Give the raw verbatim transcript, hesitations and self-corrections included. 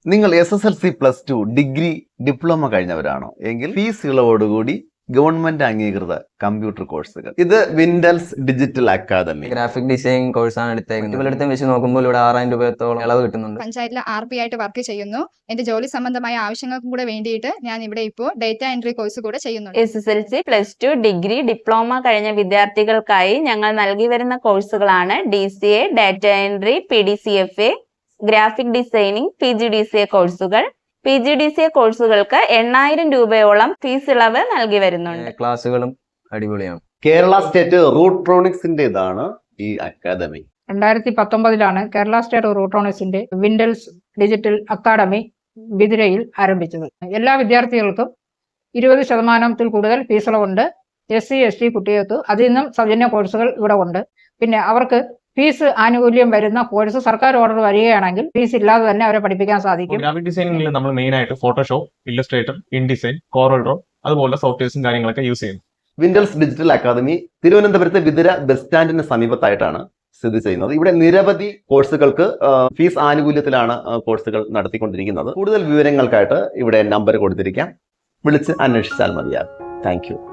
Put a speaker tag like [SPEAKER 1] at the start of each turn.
[SPEAKER 1] നിങ്ങൾ S S L C plus two degree diploma കഴിഞ്ഞവരാണോ എങ്കിൽ ഫീസ് ഇളവോടുകൂടി ഗവൺമെന്റ് അംഗീകൃത കമ്പ്യൂട്ടർ കോഴ്സുകൾ. ഇത് വിൻഡൽസ് ഡിജിറ്റൽ അക്കാദമി.
[SPEAKER 2] ഗ്രാഫിക് ഡിസൈൻ കോഴ്സാണ് എടുത്തേക്കുന്നത്. ഇവരുടെ വെച്ച് നോക്കുമ്പോൾ ഇവിടെ ആറായിരം രൂപയോളം ഇളവ് കിട്ടുന്നുണ്ട്.
[SPEAKER 3] പഞ്ചായത്തിൽ ആർ പി ആയിട്ട് വർക്ക് ചെയ്യുന്നു. എന്റെ ജോലി സംബന്ധമായ ആവശ്യങ്ങൾക്കും കൂടെ വേണ്ടിയിട്ട് ഞാൻ ഇവിടെ ഇപ്പോൾ ഡേറ്റ എൻട്രി കോഴ്സ് കൂടെ ചെയ്യുന്നുണ്ട്.
[SPEAKER 4] S S L C plus two degree diploma കഴിഞ്ഞ വിദ്യാർത്ഥികൾക്കായി ഞങ്ങൾ നൽകി വരുന്ന കോഴ്സുകളാണ് D C A, data entry, P D C F A, graphic designing, P G D C A കോഴ്സുകൾ. P G D C A കോഴ്സുകൾക്ക് എണ്ണായിരം രൂപയോളം ഫീസ് ഇളവ് നൽകി വരുന്നുണ്ട്.
[SPEAKER 2] ക്ലാസ്സുകളും അടിപൊളിയാണ്.
[SPEAKER 1] കേരള സ്റ്റേറ്റ് റൂട്രോണിക്സിന്റേതാണ് ഈ അക്കാദമി.
[SPEAKER 5] രണ്ടായിരത്തി പത്തൊമ്പതിലാണ് കേരള സ്റ്റേറ്റ് റൂട്രോണിക്സിന്റെ വിൻഡൽസ് ഡിജിറ്റൽ അക്കാദമി ബിദിരയിൽ ആരംഭിച്ചത്. എല്ലാ വിദ്യാർത്ഥികൾക്കും ഇരുപത് ശതമാനത്തിൽ കൂടുതൽ ഫീസ് ഇളവുണ്ട്. എസ് സി എസ് ടി കുട്ടികൾക്ക് അതിൽ നിന്നും സൗജന്യ കോഴ്സുകൾ ഇവിടെ ഉണ്ട്. പിന്നെ അവർക്ക് ഫീസ് ആനുകൂല്യം വരുന്ന കോഴ്സ് സർക്കാർ ഓർഡർ വരികയാണെങ്കിൽ ഫീസ് ഇല്ലാതെ തന്നെ അവരെ പഠിപ്പിക്കാൻ സാധിക്കും.
[SPEAKER 6] ഗ്രാഫിക് ഡിസൈനിങ്ങിൽ നമ്മൾ മെയിൻ ആയിട്ട് Photoshop, Illustrator, InDesign, Corel Draw അതുപോലെ സോഫ്റ്റ്വെയർസും കാര്യങ്ങളൊക്കെ യൂസ് ചെയ്യുന്നു.
[SPEAKER 1] വിൻഡൽസ് ഡിജിറ്റൽ അക്കാദമി തിരുവനന്തപുരത്തെ വിതുര ബസ് സ്റ്റാൻഡിന് സമീപത്തായിട്ടാണ് സ്ഥിതി ചെയ്യുന്നത്. ഇവിടെ നിരവധി കോഴ്സുകൾക്ക് ഫീസ് ആനുകൂല്യത്തിലാണ് കോഴ്സുകൾ നടത്തിക്കൊണ്ടിരിക്കുന്നത്. കൂടുതൽ വിവരങ്ങൾക്കായിട്ട് ഇവിടെ നമ്പർ കൊടുത്തിരിക്കാം, വിളിച്ച് അന്വേഷിച്ചാൽ മതിയാകും. Thank U.